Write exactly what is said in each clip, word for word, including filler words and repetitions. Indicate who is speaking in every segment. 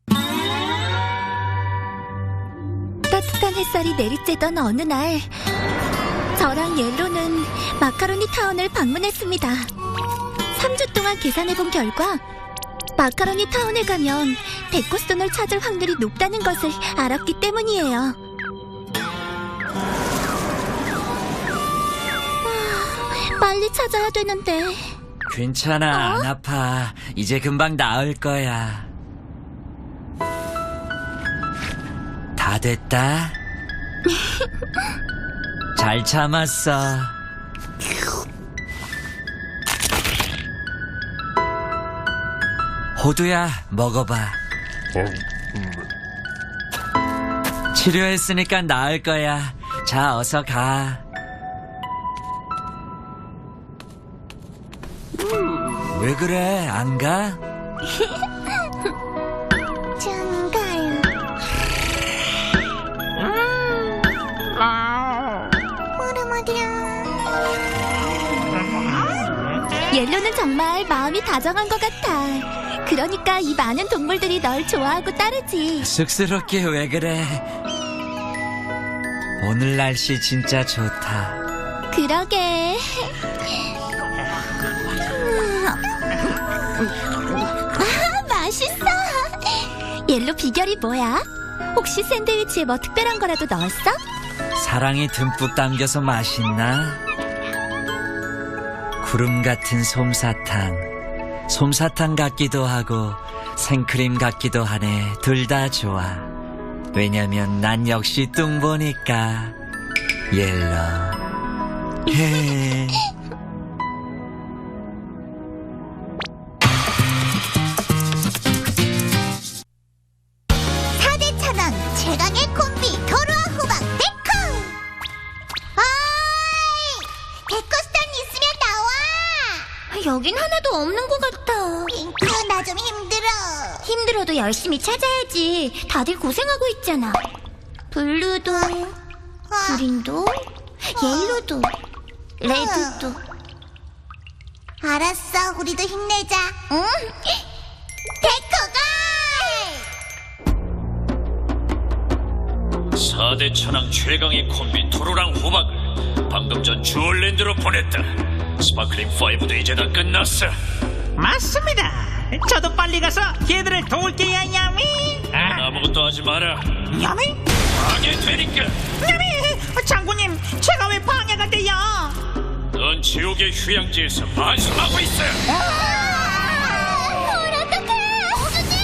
Speaker 1: 따뜻한 햇살이 내리쬐던 어느 날, 저랑 옐로는 마카로니 타운을 방문했습니다. 삼 주 동안 계산해본 결과 마카로니 타운에 가면 데코스톤을 찾을 확률이 높다는 것을 알았기 때문이에요. 아, 빨리 찾아야 되는데.
Speaker 2: 괜찮아,
Speaker 1: 어?
Speaker 2: 안 아파. 이제 금방 나을 거야. 다 됐다. 잘 참았어. 호두야, 먹어봐. 치료했으니까 나을 거야. 자, 어서 가. 왜 그래? 안 가?
Speaker 1: 좀 가요. 옐로는 정말 마음이 다정한 것 같아. 그러니까 이 많은 동물들이 널 좋아하고 따르지.
Speaker 2: 쑥스럽게 왜 그래? 오늘 날씨 진짜 좋다.
Speaker 1: 그러게. 아, 맛있어. 옐로 비결이 뭐야? 혹시 샌드위치에 뭐 특별한 거라도 넣었어?
Speaker 2: 사랑이 듬뿍 담겨서 맛있나? 구름 같은 솜사탕. 솜사탕 같기도 하고 생크림 같기도 하네. 둘 다 좋아. 왜냐면 난 역시 뚱보니까. 옐로. 헤.
Speaker 1: 사 대 천왕 최강의 콤비 도로와 후방 데코. 어이, 데코스톤 있으면 나와. 여긴 하나도 없는 것 같아. 핑크, 나 좀 힘들어. 힘들어도 열심히 찾아야지. 다들 고생하고 있잖아. 블루도, 그린도, 옐로도, 레드도. 알았어, 우리도 힘내자. 응? 데코가!
Speaker 3: 사 대 천왕 최강의 콤비 토로랑 호박을 방금 전 주얼랜드로 보냈다. 스파클링 파이브도 이제 다 끝났어.
Speaker 4: 맞습니다. 저도 빨리 가서 걔들을 도울게요, 야미.
Speaker 3: 넌 아무것도 하지 마라.
Speaker 4: 야미?
Speaker 3: 방해되니까.
Speaker 4: 야미! 장군님, 제가 왜 방해가 돼요?
Speaker 3: 넌 지옥의 휴양지에서 반성하고 있어.
Speaker 1: 헐, 어떡해! 호주님!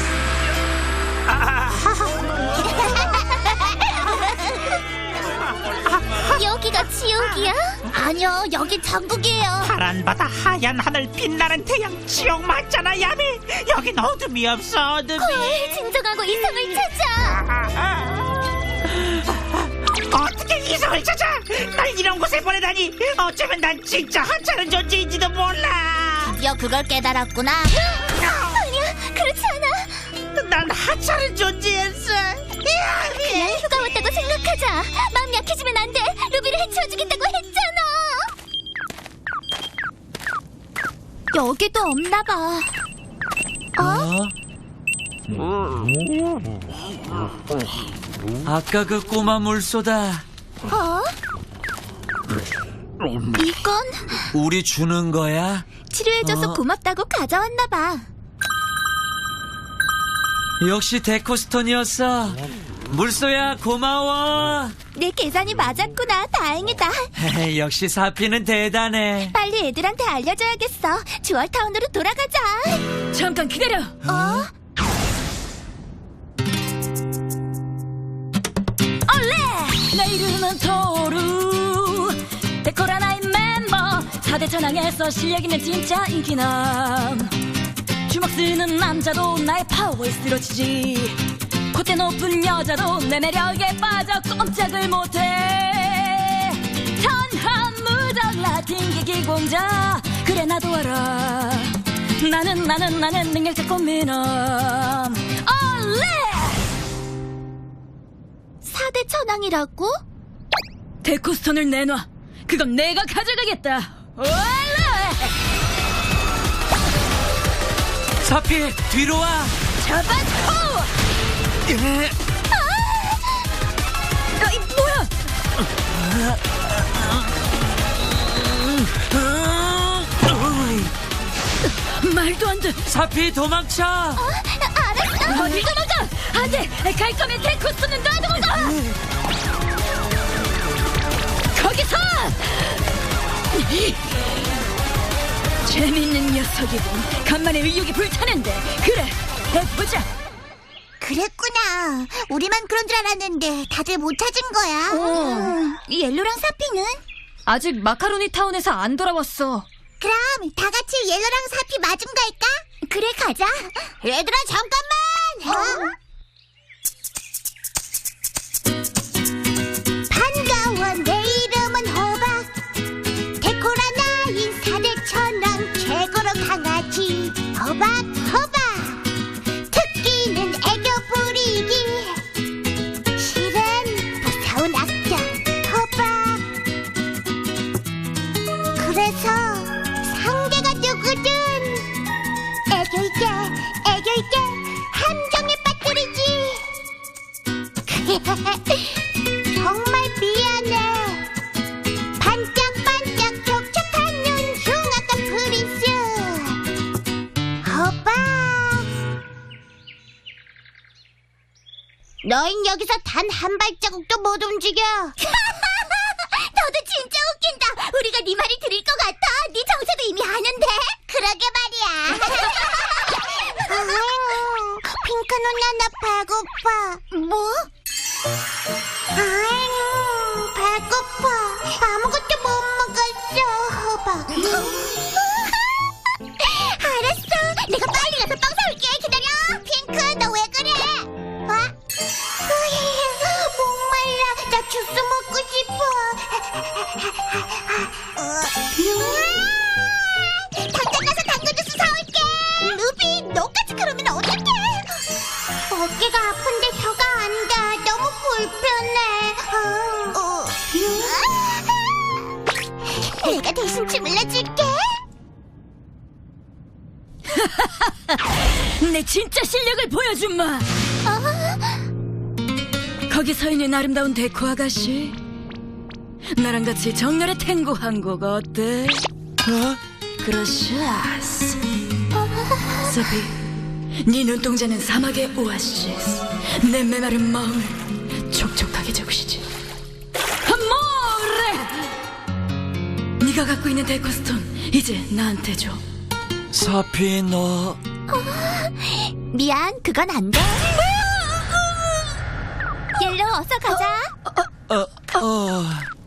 Speaker 1: 여기가 지옥이야? 아니요, 여기 천국이에요.
Speaker 4: 파란 바다, 하얀 하늘, 빛나는 태양, 지옥 맞잖아, 야미. 여긴 어둠이 없어, 어둠이.
Speaker 1: 헐, 진정하고 이성을 찾아.
Speaker 4: 어떻게 이성을 찾아? 날 이런 곳에 보내다니. 어쩌면 난 진짜 하찮은 존재인지도 몰라.
Speaker 1: 드디어 그걸 깨달았구나. 아니야, 그렇지 않아.
Speaker 4: 난 하찮은 존재였어.
Speaker 1: 그냥 휴가 왔다고 생각하자. 마음 약해지면 안 돼. 루비를 해치워주겠다고 했잖아. 여기도 없나 봐. 어?
Speaker 2: 어? 아까 그 꼬마 물소다.
Speaker 1: 어? 이건
Speaker 2: 우리 주는 거야?
Speaker 1: 치료해줘서
Speaker 2: 어?
Speaker 1: 고맙다고 가져왔나 봐.
Speaker 2: 역시 데코스톤이었어. 물소야, 고마워.
Speaker 1: 내 계산이 맞았구나. 다행이다.
Speaker 2: 역시 사피는 대단해.
Speaker 1: 빨리 애들한테 알려줘야겠어. 주얼타운으로 돌아가자.
Speaker 5: 잠깐 기다려.
Speaker 1: 어?
Speaker 5: 올레! 내 이름은 토루. 데코라 나인 멤버. 사 대 천왕에서 실력 있는 진짜 인기남. 주먹 쓰는 남자도 나의 파워에 쓰러지지. 콧대 높은 여자도 내 매력에 빠져 꼼짝을 못해. 천하무적 라틴 기공자. 그래 나도 알아. 나는 나는 나는 능력자 꽃미남. 올레!
Speaker 1: 사 대 천왕이라고?
Speaker 5: 데코스톤을 내놔. 그건 내가 가져가겠다. 올레!
Speaker 2: 사피, 뒤로 와.
Speaker 5: 잡아줘! 아, 이 뭐야? 말도 안 돼.
Speaker 2: 사피 도망쳐.
Speaker 1: 알았어.
Speaker 5: 어딜 도망가? 안 돼. 갈 거면 데코스토는 놔두고 가. 거기서! 재밌는 녀석이군. 간만에 의욕이 불타는데. 그래, 해보자.
Speaker 1: 그랬구나. 우리만 그런 줄 알았는데 다들 못 찾은 거야. 음, 옐로랑 사피는?
Speaker 5: 아직 마카로니 타운에서 안 돌아왔어.
Speaker 1: 그럼 다 같이 옐로랑 사피 마중 갈까? 그래, 가자. 얘들아, 잠깐만. 어? 반가워, 내 이름은 호박. 데코라나 인사대처럼 최고로 강아지. 호박, 호박. 특기는 애교 부리기. 실은 무서운 악자. 호박. 그래서 상대가 누구든 애교 있게 애교 있게 함정에 빠뜨리지. 정말 미안해. 반짝반짝 촉촉한 눈 흉악한 프린스 호박. 너흰 여기서 단 한 발자국도 못 움직여. 너도 진짜 웃긴다. 우리가 네 말이 들릴 것 같아. 네 정체도 이미 아는데. 그러게 말이야. 핑크 누나, 나 배고파. 뭐? 아유, 배고파. 아무것도 못 먹었어, 호박. 알았어. 내가 빨리 가서 빵 사올게. 기다려. 핑크, 너 왜 그래? 어? 목말라. 나 주스 먹고 싶어. 당장 가서 당근 주스 사올게. 루비, 너까지 그러면 어떡해? 어깨가 아픈데 혀가 안 닿아. 너무 불편해. 어. 내가 대신 주물러줄게.
Speaker 5: 내 진짜 실력을 보여줌마. 거기 서 있는 아름다운 데코 아가씨, 나랑 같이 정열의 탱고 한 곡 어때?
Speaker 2: 어?
Speaker 5: 그라시아스. 소피, 네 눈동자는 사막의 오아시스. 내 메마른 마음을 촉촉하게 적시지. 아모레! 네가 갖고 있는 데코스톤 이제 나한테 줘.
Speaker 2: 사피 너
Speaker 1: 미안, 그건 안 돼. 옐로, 어서 가자.
Speaker 2: 어, 어.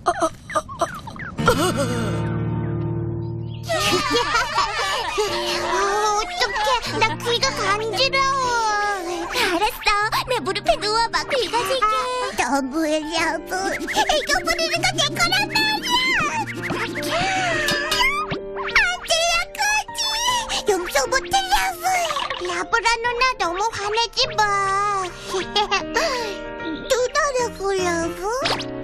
Speaker 1: 어, 어떡해. 나 귀가 간지러워. 알았어. 내 무릎에 누워봐. 귀 가질게. 너무해, 여보. 이거 부리는 거 내 거란 말이야. 안 들려, 거지. 용서 못해, 여보. 라브라 누나, 너무 화내지 마. 누나라고, 여보?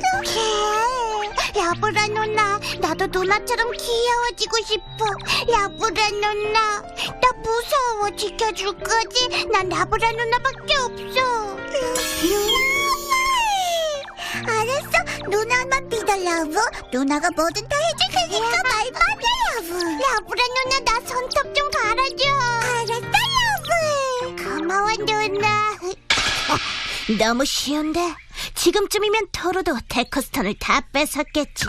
Speaker 1: 라브라 누나, 나도 누나처럼 귀여워지고 싶어. 라브라 누나, 나 무서워. 지켜줄 거지? 난 라브라 누나밖에 없어. 알았어, 누나만 믿어, 라브. 누나가 뭐든 다 해줄 테니까 말만 해, 라브. 라브라 누나, 나 손톱 좀 갈아줘. 알았어, 라브. 고마워, 누나. 너무 쉬운데? 지금쯤이면 토르도 데코스톤을 다 뺏었겠지.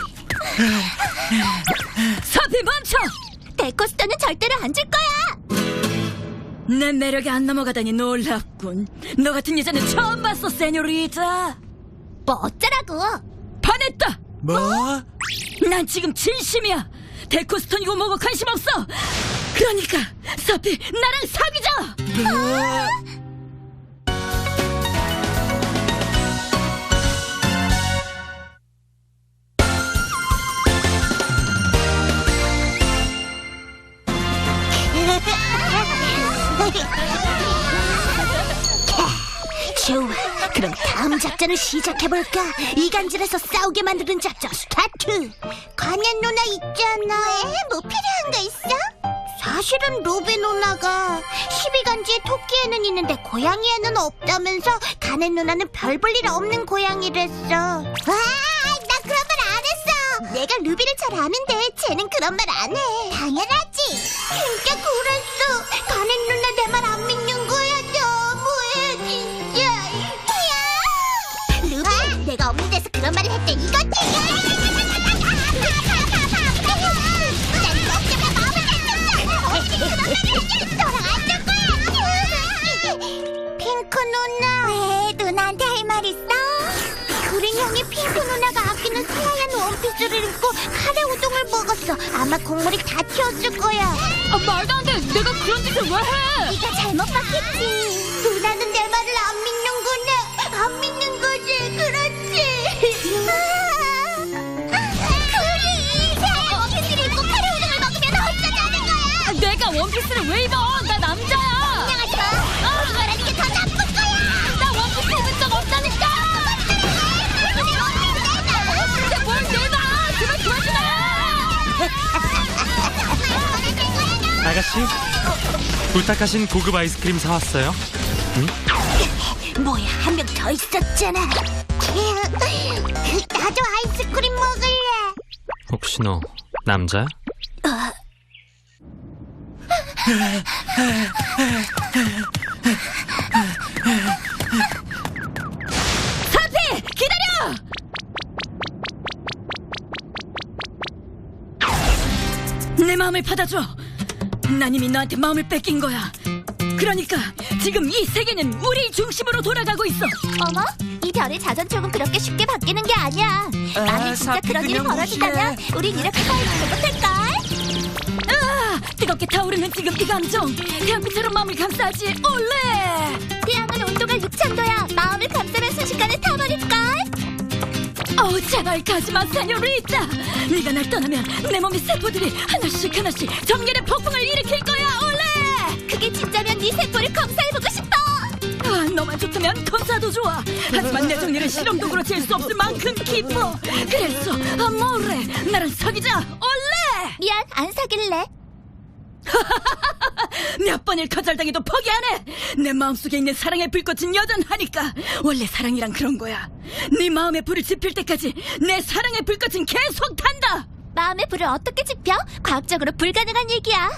Speaker 5: 소피 멈춰!
Speaker 1: 데코스톤은 절대로 안 줄 거야.
Speaker 5: 내 매력에 안 넘어가다니 놀랍군. 너 같은 여자는 처음 봤어, 세뇨리타.
Speaker 1: 뭐 어쩌라고?
Speaker 5: 반했다.
Speaker 2: 뭐?
Speaker 5: 난 지금 진심이야. 데코스톤이고 뭐고 관심 없어. 그러니까 소피, 나랑 사귀자.
Speaker 1: 좋아, 그럼 다음 작전을 시작해볼까? 이간질에서 싸우게 만드는 작전 스타트. 관현 누나 있잖아. 에? 뭐 필요한 거 있어? 사실은 루비 누나가 십이간지에 토끼에는 있는데 고양이에는 없다면서 가넷 누나는 별 볼 일 없는 고양이랬어. 와, 나 그런 말 안 했어. 내가 루비를 잘 아는데 쟤는 그런 말 안 해. 당연하지. 진짜 그랬어. 가넷 누나 내 말 안 믿는 거야. 너무해 진짜. 야, 루비, 내가 없는 데서 그런 말을 했대 이거지. 핑크 누나. 왜? 누나한테 할 말 있어? 그린 형이 핑크 누나가 아끼는 새하얀 원피스를 입고 카레 우동을 먹었어. 아마 국물이 다 튀었을 거야.
Speaker 5: 아, 말도 안 돼. 내가 그런 짓을 왜 해?
Speaker 1: 네가 잘못 봤겠지. 누나는 내 말을 안 믿는구나. 안 믿는 거지. 그렇지. 그리 새하얀 원피스를 입고 카레 우동을 먹으면 어쩌자는 거야.
Speaker 5: 내가 원피스를 왜 입어? 나 남자야.
Speaker 1: 인정하지 마. 그거라는 게 더 나쁜 거야.
Speaker 5: 나 원피스 입은 적 없다니까. 근데 뭘 내봐. 제발 그러지 마.
Speaker 6: 아가씨, 부탁하신 고급 아이스크림 사왔어요.
Speaker 1: 뭐야, 한 명 더 있었잖아. 나도 아이스크림 먹을래.
Speaker 6: 혹시 너 남자야?
Speaker 5: 사피 기다려. 내 마음을 받아줘. 난 이미 너한테 마음을 뺏긴 거야. 그러니까 지금 이 세계는 우리 중심으로 돌아가고 있어.
Speaker 1: 어머, 이 별의 자전축은 그렇게 쉽게 바뀌는 게 아니야. 만약 진짜
Speaker 2: 사피
Speaker 1: 그런 일이
Speaker 2: 그냥
Speaker 1: 벌어진다면
Speaker 2: 무시해.
Speaker 1: 우린 이렇게 살지 못할걸.
Speaker 5: 아, 뜨겁게 타오르는 지금 이 감정. 태양빛처럼 마음을 감싸지. 올레.
Speaker 1: 태양은 온도가 육천 도야. 마음을 감싸면 순식간에 타버릴걸.
Speaker 5: 어우, 제발 가지마, 세뇨리타. 네가 날 떠나면 내 몸의 세포들이 하나씩 하나씩 정렬의 폭풍을 일으킬 거야. 올레.
Speaker 1: 그게 진짜면 네 세포를 검사해보고 싶어.
Speaker 5: 아, 너만 좋다면 검사도 좋아. 하지만 내 정렬은 실험도구로 잴 수 없을 만큼 깊어. 그래서 아모레, 나랑 사귀자. 올레.
Speaker 1: 미안, 안 사귈래.
Speaker 5: 몇 번을 거절당해도 포기 안 해. 내 마음속에 있는 사랑의 불꽃은 여전하니까. 원래 사랑이란 그런 거야. 네 마음의 불을 지필 때까지 내 사랑의 불꽃은 계속 탄다.
Speaker 1: 마음의 불을 어떻게 지펴? 과학적으로 불가능한 얘기야.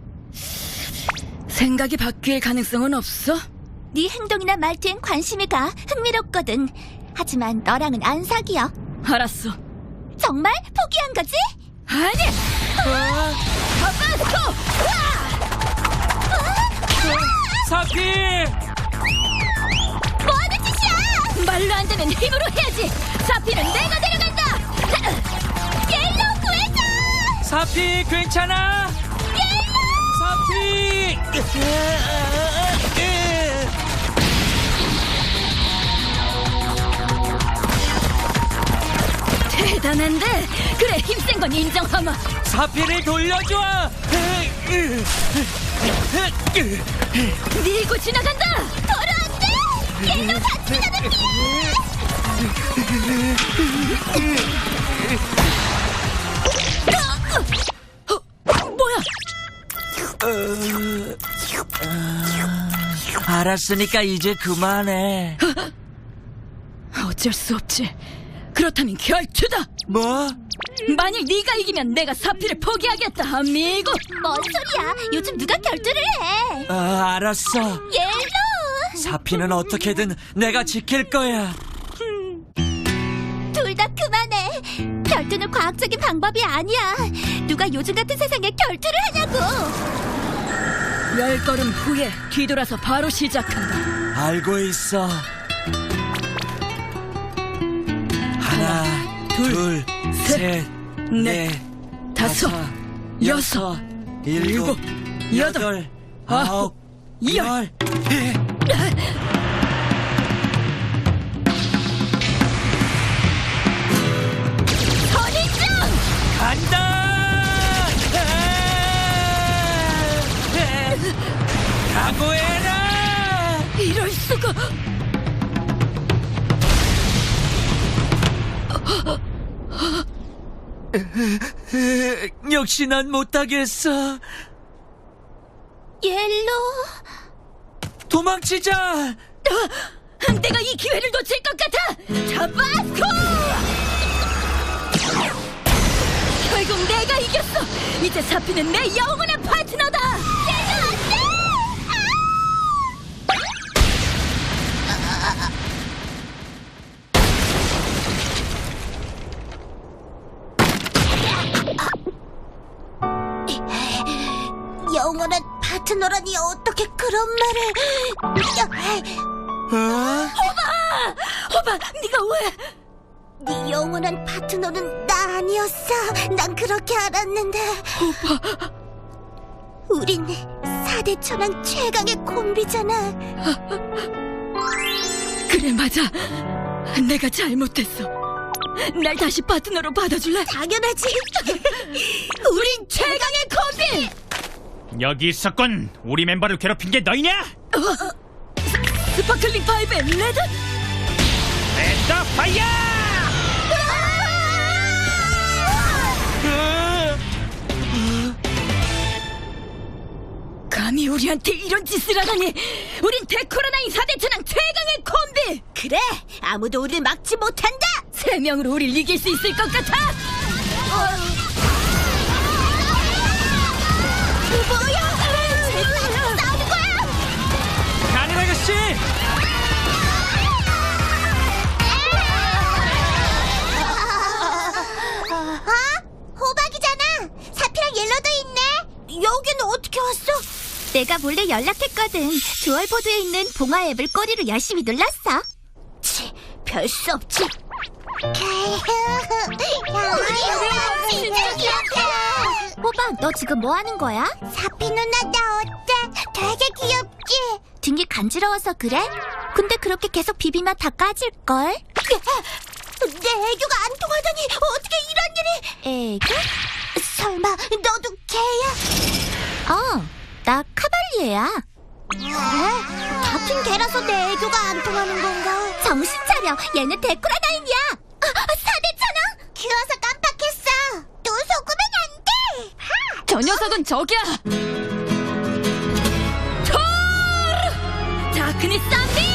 Speaker 5: 생각이 바뀔 가능성은 없어?
Speaker 1: 네 행동이나 말투엔 관심이 가. 흥미롭거든. 하지만 너랑은 안 사귀어.
Speaker 5: 알았어.
Speaker 1: 정말? 포기한 거지?
Speaker 5: 아니. 아바스코.
Speaker 2: 사피!
Speaker 1: 뭐하는 짓이야?
Speaker 5: 말로 안 되면 힘으로 해야지. 사피는 내가 데려간다.
Speaker 1: 옐로우 구해줘!
Speaker 2: 사피 괜찮아? 사피!
Speaker 5: 대단한데. 그래, 힘센 건 인정하마.
Speaker 2: 사피를 돌려줘!
Speaker 5: 밀고 지나간다.
Speaker 1: 돌아왔대! 옐로우 같이 가는
Speaker 5: 어, 뭐야?
Speaker 2: 알았으니까 이제 그만해.
Speaker 5: 어쩔 수 없지. 그렇다면 결투다.
Speaker 2: 뭐?
Speaker 5: 만약 네가 이기면 내가 사피를 포기하겠다. 아미고.
Speaker 1: 뭔 소리야? 요즘 누가 결투를 해?
Speaker 2: 아, 알았어.
Speaker 1: 옐로우!
Speaker 2: 사피는 어떻게든 내가 지킬 거야.
Speaker 1: 둘 다 그만해. 결투는 과학적인 방법이 아니야. 누가 요즘 같은 세상에 결투를 하냐고.
Speaker 5: 열 걸음 후에 뒤돌아서 바로 시작한다.
Speaker 2: 알고 있어. 하나, 둘, 셋, 넷,
Speaker 5: 다섯, 여섯,
Speaker 2: 일곱, 여덟, 아홉, 열.
Speaker 5: 선인장!
Speaker 2: 간다! 각오해라!
Speaker 5: 이럴 수가.
Speaker 2: 역시 난 못하겠어.
Speaker 1: 옐로.
Speaker 2: 도망치자.
Speaker 5: 내가 이 기회를 놓칠 것 같아. 타바스코! 결국 내가 이겼어. 이제 사피는 내 영원한 파트너다.
Speaker 1: 영원한 파트너라니 어떻게 그런 말을?
Speaker 2: 어?
Speaker 5: 호바, 네가 왜?
Speaker 1: 네 영원한 파트너는 나 아니었어. 난 그렇게 알았는데. 우린 사대 천왕 최강의 콤비잖아.
Speaker 5: 그래, 맞아. 내가 잘못했어. 날 다시 파트너로 받아줄래?
Speaker 1: 당연하지.
Speaker 5: 우린 최강의 콤비!
Speaker 3: 여기 있었군. 우리 멤버를 괴롭힌 게 너희냐?
Speaker 5: 스파클링 파이브의 레드?
Speaker 3: 엔더 파이어!
Speaker 5: 감히 우리한테 이런 짓을 하다니. 우린 데코라나인 사대 천왕 최강의 콤비!
Speaker 1: 그래, 아무도 우리를 막지 못한다.
Speaker 5: 세 명으로 우릴 이길 수 있을 것 같아!
Speaker 1: 뭐야? 쟤는 싸우는 거야?
Speaker 2: 가는 아가씨.
Speaker 1: 아? 호박이잖아. 사피랑 옐로도 있네. 여기는 어떻게 왔어? 내가 몰래 연락했거든. 주얼보드에 있는 봉화 앱을 꼬리로 열심히 눌렀어. 치, 별 수 없지. 진짜 귀엽다. 호박, 너 지금 뭐 하는 거야? 사피 누나, 나 어때? 되게 귀엽지? 등이 간지러워서 그래? 근데 그렇게 계속 비비면 다 까질걸? 내 애교가 안 통하다니 어떻게 이런 일이? 애교? 설마 너도 개야? 어, 나 카발리에야. 그래? 같은 개라서 내 애교가 안 통하는 건가? 정신 차려, 얘는 데코라다인이야. 아, 사대천왕? 귀여워서 깜빡했어. 또 속으면 안 돼. 하!
Speaker 5: 저 녀석은 저기야! 토르! 다크니스 쌈비!